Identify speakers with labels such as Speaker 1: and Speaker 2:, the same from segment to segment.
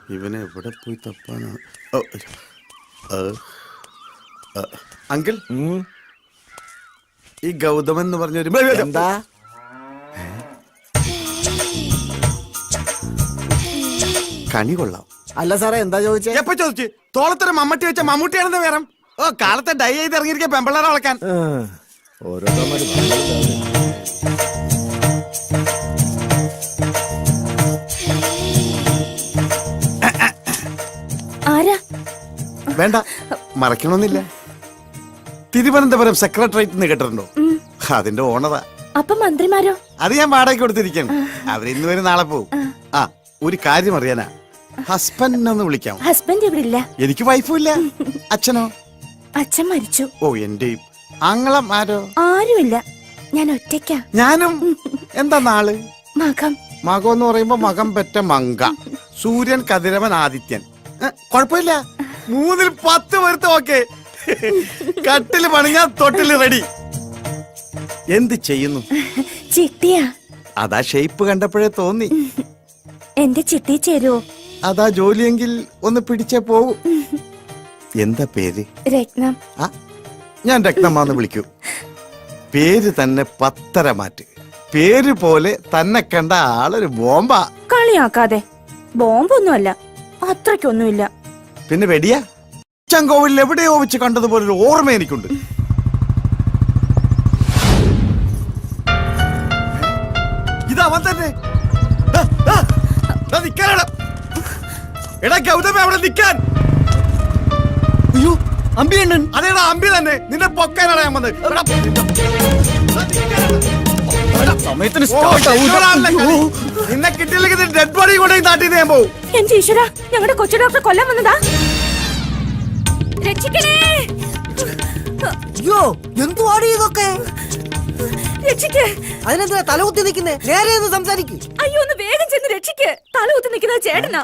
Speaker 1: ഇവനെ എവിടെ പോയി തപ്പാനാണ്? അങ്കിൾ, ഈ ഗൗതമൻ എന്ന് പറഞ്ഞൊരു
Speaker 2: എന്താ
Speaker 1: കണി കൊള്ളാം.
Speaker 2: അല്ല സാറേ, എന്താ ചോദിച്ചേ?
Speaker 1: എപ്പ ചോദിച്ചു? തോളത്തൊരു മമ്മട്ടി വെച്ച മമ്മൂട്ടിയാണെന്ന് വേറെ. ഓ, കാലത്തെ ഡൈ ചെയ്ത് ഇറങ്ങിയിരിക്കുക പെമ്പിള്ളേരെ വളക്കാൻ. വേണ്ട, മറക്കണമെന്നില്ല. തിരുവനന്തപുരം സെക്രട്ടേറിയറ്റ് എന്ന് കേട്ടിട്ടുണ്ടോ? അതിന്റെ ഓണറാ.
Speaker 3: അപ്പൊ മന്ത്രിമാരോ?
Speaker 1: അത് ഞാൻ വാടകയ്ക്ക് കൊടുത്തിരിക്കണം. അവരിന്ന് വരും, നാളെ പോവും. ആ, ഒരു കാര്യം അറിയാനാ. ഹസ്ബൻഡ് ഒന്ന് വിളിക്കാം.
Speaker 3: ഹസ്ബൻഡ് ഇവിടെ ഇല്ല.
Speaker 1: എനിക്ക് വൈഫും ഇല്ല. അച്ഛനോ?
Speaker 3: അച്ഛൻ മരിച്ചു.
Speaker 1: ഓ, എന്റെയും. ആങ്ങളും ആരോ?
Speaker 3: ആരുമില്ല, ഞാൻ ഒറ്റയ്ക്കാ.
Speaker 1: ഞാനും. എന്താ നാള്?
Speaker 3: മകം.
Speaker 1: മകം എന്ന് പറയുമ്പോ മകം പെറ്റ മങ്ക. സൂര്യൻ, കതിരവൻ, ആദിത്യൻ. കൊഴപ്പില്ല. 3-ൽ 10 പേർത്ത് ഓക്കെ. കട്ടില് പണിഞ്ഞാ തൊട്ടില് റെഡി. എന്ത് ചെയ്യുന്നു?
Speaker 3: ചിട്ടിയാ.
Speaker 1: അതാ ഷേപ്പ് കണ്ടപ്പോഴേ തോന്നി.
Speaker 3: എന്റെ ചിട്ടി ചേരുവോ?
Speaker 1: അതാ ജോലിയെങ്കിൽ ഒന്ന് പിടിച്ചേ പോവൂ. എന്താ പേര്?
Speaker 3: രത്നം.
Speaker 1: ആ, ഞാൻ രത്നമാന്ന് വിളിക്കൂ. പേര് തന്നെ 10 മാറ്റ്. പേര് പോലെ തന്നെ കണ്ട ആളൊരു ബോംബാ.
Speaker 3: കളിയാക്കാതെ. ബോംബൊന്നുമല്ല, അത്രയ്ക്കൊന്നുമില്ല.
Speaker 1: പിന്നെ വെടിയാ? ചങ്കോവിൽ എവിടെയോ വെച്ച് കണ്ടതുപോലെ ഒരു ഓർമ്മ എനിക്കുണ്ട്. ഇതവൻ തന്നെ. എടാ ഗൗതമ, അവിടെ നിൽക്കാൻ.
Speaker 2: അയ്യോ, അമ്പിയണ്ണൻ.
Speaker 1: അതേടാ, അമ്പി തന്നെ. നിന്നെ പൊക്കാനാണ് ഞാൻ വന്നത്. നിന്നെ കിട്ടിയില്ലെങ്കിൽ ഡെഡ് ബോഡി കൊണ്ട് നാട്ടിൽ ഞാൻ പോവും.
Speaker 3: എന്റെ ഈശ്വര, ഞങ്ങളുടെ കൊച്ചു ഡോക്ടർ കൊല്ലാൻ വന്നതാ. രക്ഷിക്കണേ.
Speaker 2: അയ്യോ, എന്തുവാടി ഇതൊക്കെ?
Speaker 3: രക്ഷിക്ക്.
Speaker 2: അതിനെന്തിനാ തലകുത്തി നിൽക്കുന്നേ? നേരെ ഒന്ന് സംസാരിക്ക്.
Speaker 3: അയ്യോ, ഒന്ന് വേഗം ചെന്ന് രക്ഷിക്ക്. തലകുത്തി നിൽക്കുന്ന ചേട്ടനാ.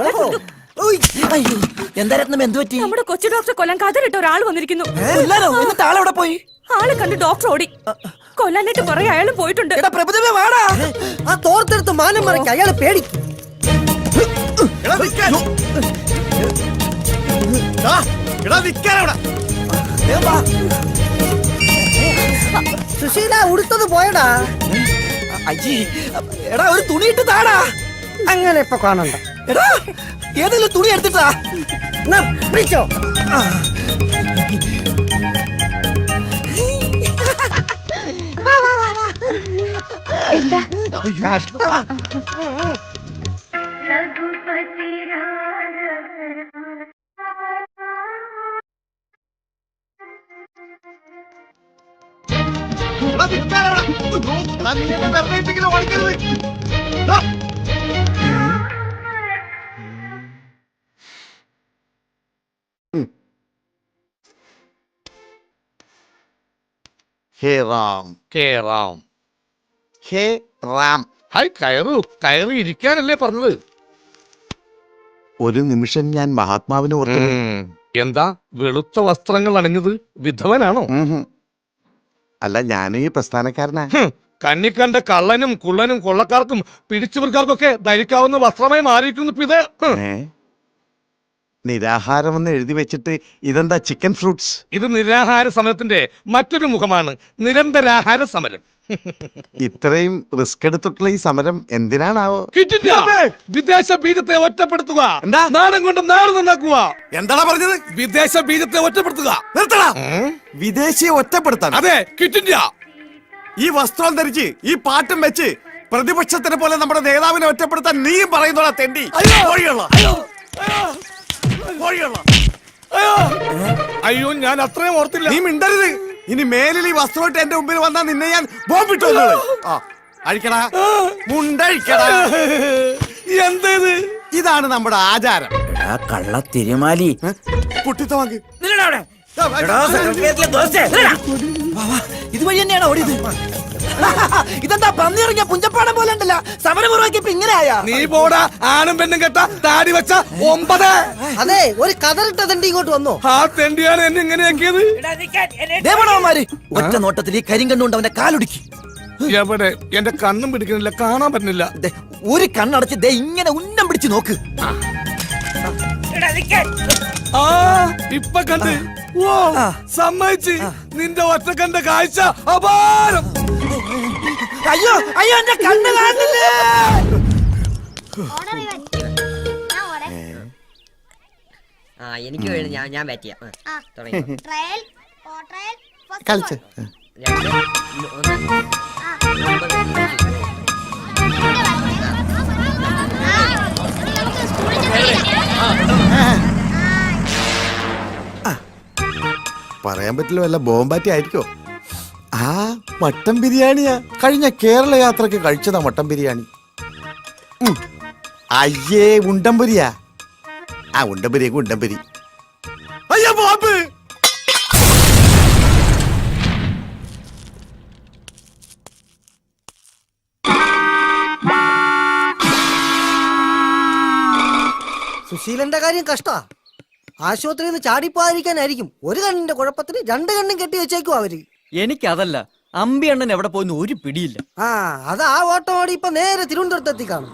Speaker 2: എന്താ രത്നം, എന്ത് പറ്റി?
Speaker 3: നമ്മുടെ കൊച്ചു ഡോക്ടറെ കൊല്ലാൻ കഥറിട്ട ഒരാൾ വന്നിരിക്കുന്നു.
Speaker 2: എന്നിട്ട് ആളെവിടെ പോയി?
Speaker 3: ആളെ കണ്ട് ഡോക്ടർ ഓടി. കൊല്ലാനായിട്ട് കുറെ അയാൾ പോയിട്ടുണ്ട്.
Speaker 2: ആ തോർത്തെടുത്ത് മാനം മറയ്ക്ക്, അയാളെ പേടിക്കും. സുശീല, ഉടുത്തത് പോയടാ. എടാ, ഒരു തുണിയിട്ട് താടാ. അങ്ങനെ ഇപ്പൊ കാണണ്ട. എടാ, ഏതെങ്കിലും തുണി എടുത്തിട്ടാ പിടിച്ചോ.
Speaker 1: ഹേ റാം,
Speaker 4: ഹേ റാം,
Speaker 1: ഹേ റാം.
Speaker 4: ഹായ്, കയറി ഇരിക്കാനല്ലേ പറഞ്ഞത്?
Speaker 1: ഒരു നിമിഷം ഞാൻ മഹാത്മാവിനെ ഓർത്തു.
Speaker 4: എന്താ വെളുത്ത വസ്ത്രങ്ങൾ അണിഞ്ഞത്? വിധവനാണോ?
Speaker 1: അല്ല, ഞാനും ഈ പ്രസ്ഥാനക്കാരനാ.
Speaker 4: കണ്ണിക്കണ്ട കള്ളനും കുള്ളനും കൊള്ളക്കാർക്കും പിടിച്ചുപറിക്കാർക്കൊക്കെ ധരിക്കാവുന്ന വസ്ത്രമായി മാറിയിരിക്കുന്നു ഇത്.
Speaker 1: നിരാഹാരം എന്ന് എഴുതി വെച്ചിട്ട് ഇതെന്താ ചിക്കൻ ഫ്രൂട്ട്സ്?
Speaker 4: ഇത് നിരാഹാര സമരത്തിന്റെ മറ്റൊരു മുഖമാണ്, നിരന്തരാഹാര സമരം.
Speaker 1: ഇത്രയും റിസ്ക് എടുത്തിട്ടുള്ള ഈ സമരം എന്തിനാണാവോ?
Speaker 4: വിദേശ ബീജത്തെ ഒറ്റപ്പെടുത്തുക, നാടൻ കൊണ്ട് നാട് നന്നാക്കുക.
Speaker 1: എന്താണ് പറഞ്ഞത്?
Speaker 4: വിദേശ ബീജത്തെ ഒറ്റപ്പെടുത്തുക.
Speaker 1: നിർത്തടാ. വിദേശിയെ ഒറ്റപ്പെടുത്താൻ?
Speaker 4: അതെ, ക്വിറ്റ് ഇന്ത്യ.
Speaker 1: ഈ വസ്ത്രം ധരിച്ച് ഈ പാട്ടും വെച്ച് പ്രതിപക്ഷത്തിനെ പോലെ നമ്മുടെ നേതാവിനെ ഒറ്റപ്പെടുത്താൻ നീയും പറയുന്നോടാ തെണ്ടി.
Speaker 4: അയ്യോ, ഞാൻ അത്രയും ഓർത്തില്ല.
Speaker 1: നീ മിണ്ടരുത്. ഇനി മേലിൽ ഈ വസ്ത്രമായിട്ട് എന്റെ മുമ്പിൽ വന്നാൽ നിന്നെ ഞാൻ ബോംബിട്ടു. അഴിക്കടാ, മുണ്ടഴിക്കടാ.
Speaker 4: എന്തേത്?
Speaker 1: ഇതാണ് നമ്മുടെ ആചാരം.
Speaker 2: കള്ള തിരുമാലി.
Speaker 1: കുട്ടിത്ത വാങ്ങി
Speaker 2: ഇതുവഴി തന്നെയാണ് ഓടിയത്. ഇതെന്താ പന്നിറങ്ങിയ പുഞ്ചപ്പാടം പോലെ ഉണ്ടല്ലോ. സമരമുറവാക്കിയപ്പോ ഇങ്ങനെയാ.
Speaker 4: നീ പോടാ, ആണും പെണ്ണും കെട്ട താടി വെച്ച 9.
Speaker 2: അതെ, ഒരു കതറിട്ട തെണ്ടി ഇങ്ങോട്ട് വന്നോ.
Speaker 4: ആ തെണ്ടിയാണ് എന്നെ ഇങ്ങനെയാക്കിയത്.
Speaker 2: ഒറ്റ നോട്ടത്തിൽ ഈ കരിങ്കണ്ണുകൊണ്ട് അവന്റെ കാലൊടുക്കി.
Speaker 4: എവിടെ? എന്റെ കണ്ണും പിടിക്കുന്നില്ല, കാണാൻ പറ്റുന്നില്ല.
Speaker 2: ഒരു കണ്ണടച്ച് ദേ ഇങ്ങനെ ഉന്നം പിടിച്ച് നോക്ക്.
Speaker 4: ആ ഇപ്പൊ കണ്ട് ഓ സമ്മതിച്ച് നിന്റെ ഒറ്റക്കണ്ട കാഴ്ച അപാരം.
Speaker 2: അയ്യോ അയ്യോ എന്റെ കണ്ണ് കാണുന്നില്ലേ.
Speaker 5: എനിക്ക് വേണ്ടി ഞാൻ ബാറ്റ് ചെയ്യാം. തുടങ്ങി.
Speaker 1: കളിച്ച്
Speaker 5: 2, 1.
Speaker 1: പറയാൻ പറ്റില്ല, വല്ല ബോംബാറ്റി ആയിരിക്കോ. ആ മട്ടൻ ബിരിയാണിയാ, കഴിഞ്ഞ കേരള യാത്രക്ക് കഴിച്ചതാ മട്ടൻ ബിരിയാണി. അയ്യേ ഉണ്ടംപുരിയാ. ആ ഉണ്ടംപുരിയൊക്കെ ഉണ്ടംപുരി. അയ്യോ ബോംബ്.
Speaker 2: സുശീലന്റെ കാര്യം കഷ്ടാ. ആശുപത്രിയിൽ നിന്ന് ചാടിപ്പോകാതിരിക്കാനായിരിക്കും ഒരു കണ്ണിന്റെ കുഴപ്പത്തിന് 2 കണ്ണും കെട്ടി വെച്ചേക്കും അവര്.
Speaker 6: എനിക്കതല്ല, അമ്പി അണ്ണൻ എവിടെ പോയെന്ന് ഒരു പിടിയില്ല.
Speaker 2: ആ അത് ആ ഓട്ടം ഓടി ഇപ്പൊ നേരെ തിരുവനന്തപുരത്ത് എത്തിക്കാണും.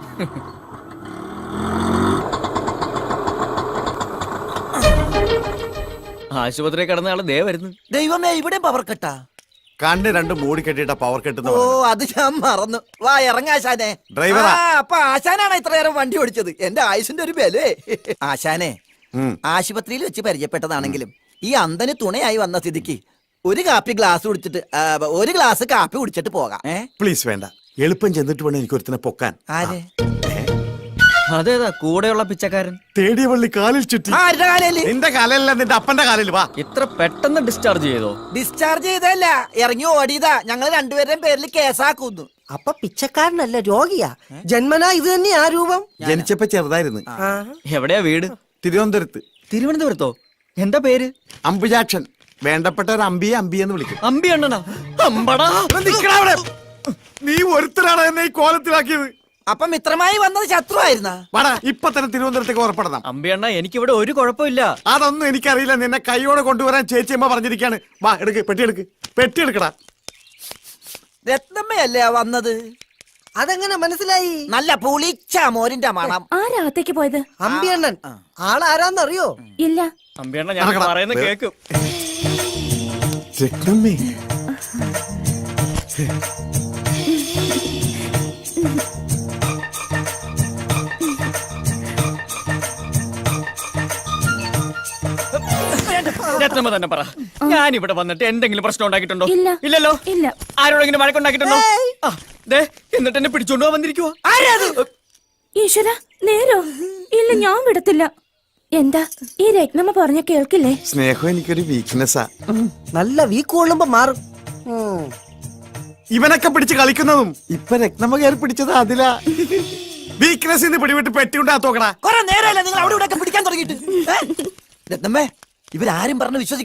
Speaker 6: ആശുപത്രി കിടന്ന ആള് ദേ വരുന്നു.
Speaker 7: ദൈവമേ, ഇവിടെ പവർ കട്ടാ.
Speaker 1: കണ്ണ് രണ്ട് മൂടി കെട്ടിട്ട പവർ കെട്ടുന്ന
Speaker 7: ഓ അത് ഞാൻ മറന്നു. വാ ഇറങ്ങാശാനെ.
Speaker 1: ഡ്രൈവറാ.
Speaker 7: അപ്പൊ ആശാനാണ് ഇത്ര നേരം വണ്ടി ഓടിച്ചത്. എന്റെ ആയുസിന്റെ ഒരു ബലേ. ആശാനെ,
Speaker 1: ഉം.
Speaker 7: ആശുപത്രിയിൽ വെച്ച് പരിചയപ്പെട്ടതാണെങ്കിലും ഈ അന്തന് തുണയായി വന്ന സ്ഥിതിക്ക് ഒരു കാപ്പി ഗ്ലാസ് കുടിച്ചിട്ട് ഒരു ഗ്ലാസ് കാപ്പി കുടിച്ചിട്ട് പോകാം.
Speaker 1: പ്ലീസ് വേണ്ട, എളുപ്പം ചെന്നിട്ട് വേണം എനിക്ക് ഒരുത്തിനെ പൊക്കാൻ.
Speaker 7: ആര്?
Speaker 6: അതേതാ കൂടെയുള്ള പിച്ചക്കാരൻ?
Speaker 1: തേടിയ പള്ളി കാലിൽ ചുറ്റി.
Speaker 7: ആരുടെ കാലയില്?
Speaker 1: നിന്റെ കാലല്ല, നിന്റെ അപ്പന്റെ കാലിൽ. വാ.
Speaker 6: ഇത്ര പെട്ടെന്ന് ഡിസ്ചാർജ് ചെയ്തോ?
Speaker 7: ഡിസ്ചാർജ് ചെയ്തല്ല, ഇറങ്ങി ഓടിയതാ. ഞങ്ങൾ രണ്ടുപേരുടെയും പേരിൽ കേസാക്കുന്നു.
Speaker 2: അപ്പൊ പിച്ചക്കാരനല്ല, രോഗിയാ. ജന്മനാ ഇത് തന്നെയാ രൂപം.
Speaker 1: ജനിച്ചപ്പോ ചെറുതായിരുന്നു.
Speaker 6: എവിടെയാ വീട്?
Speaker 1: തിരുവനന്തപുരത്ത്.
Speaker 6: തിരുവനന്തപുരത്തോ? എന്താ പേര്?
Speaker 1: അമ്പുജാക്ഷൻ. വേണ്ടപ്പെട്ട ഒരു അമ്പിയെ അമ്പിയെന്ന് വിളിക്കും.
Speaker 6: അമ്പി അണ്ണനാ? അമ്പടാ.
Speaker 1: നിക്കടാ അവിടെ. നീ ഒരുത്തരാണ് എന്നെ ഈ കോലത്തിലാക്കിയത്.
Speaker 7: അപ്പൊ മിത്രമായി വന്നത് ശത്രു ആയിരുന്ന?
Speaker 1: വാടാ, ഇപ്പൊ തന്നെ തിരുവനന്തപുരത്തേക്ക് ഉറപ്പെടണം.
Speaker 6: അമ്പി അണ്ണ, എനിക്കിവിടെ ഒരു കുഴപ്പമില്ല.
Speaker 1: അതൊന്നും എനിക്കറിയില്ല. നിന്നെ കൈയോടെ കൊണ്ടുവരാൻ ചേച്ചിയമ്മ പറഞ്ഞിരിക്കാണ്. വാ, എടുക്ക്, പെട്ടി എടുക്ക്. പെട്ടി എടുക്കടാ.
Speaker 7: രത്നമ്മയല്ലേ വന്നത്?
Speaker 2: അതെങ്ങനെ മനസ്സിലായി?
Speaker 7: നല്ല പുളിച്ച മോരിന്റെ മണം.
Speaker 3: ആരാത്തേക്ക് പോയത്?
Speaker 2: അമ്പിയണ്ണൻ. ആളാരാന്നറിയോ?
Speaker 3: ഇല്ല.
Speaker 6: അമ്പി അണ്ണ, ഞാൻ
Speaker 1: നടക്കടാ.
Speaker 6: പറയുന്ന കേക്കും.
Speaker 1: രത്നമ്മേ.
Speaker 6: രത്നമ്മ തന്നെ പറ, ഞാൻ ഇവിടെ വന്നിട്ട് എന്തെങ്കിലും പ്രശ്നം ഉണ്ടാക്കിയിട്ടുണ്ടോ?
Speaker 3: ഇല്ല.
Speaker 6: ഇല്ലല്ലോ.
Speaker 3: ഇല്ല.
Speaker 6: ആരോടെങ്കിലും വഴക്കുണ്ടാക്കിയിട്ടുണ്ടോ? ആ, ദേ, എന്നിട്ട് എന്നെ പിടിച്ചോണ്ട് പോവാൻ വന്നിരിക്കുവോ?
Speaker 3: ഈശ്വര, നേരോ? ഇല്ല, ഞാൻ വിടത്തില്ല. എന്താ ഈ രത്നമ്മ പറഞ്ഞ കേൾക്കില്ലേ?
Speaker 1: സ്നേഹം എനിക്കൊരു വീക്ക്നെസ്സാ.
Speaker 2: നല്ല വീക്ക് കൊള്ളുമ്പോ മാറും.
Speaker 1: ഇവനൊക്കെ പിടിച്ച് കളിക്കുന്നതും ഇപ്പൊ രത്നമ്മ കയറി പിടിച്ചത് അതിലാ. വീക്ക്നെസ് ഇന്ന് പിടിവിട്ട് പെട്ടി ഉണ്ടാത്തോക്കടാ.
Speaker 7: കുറെ നേരമല്ല നിങ്ങൾ അവിടെ ഇവിടെ പിടിക്കാൻ തുടങ്ങിയിട്ട്. രത്നമ്മേ, ഇവരാരും പറഞ്ഞ് വിശ്വസിക്കണം.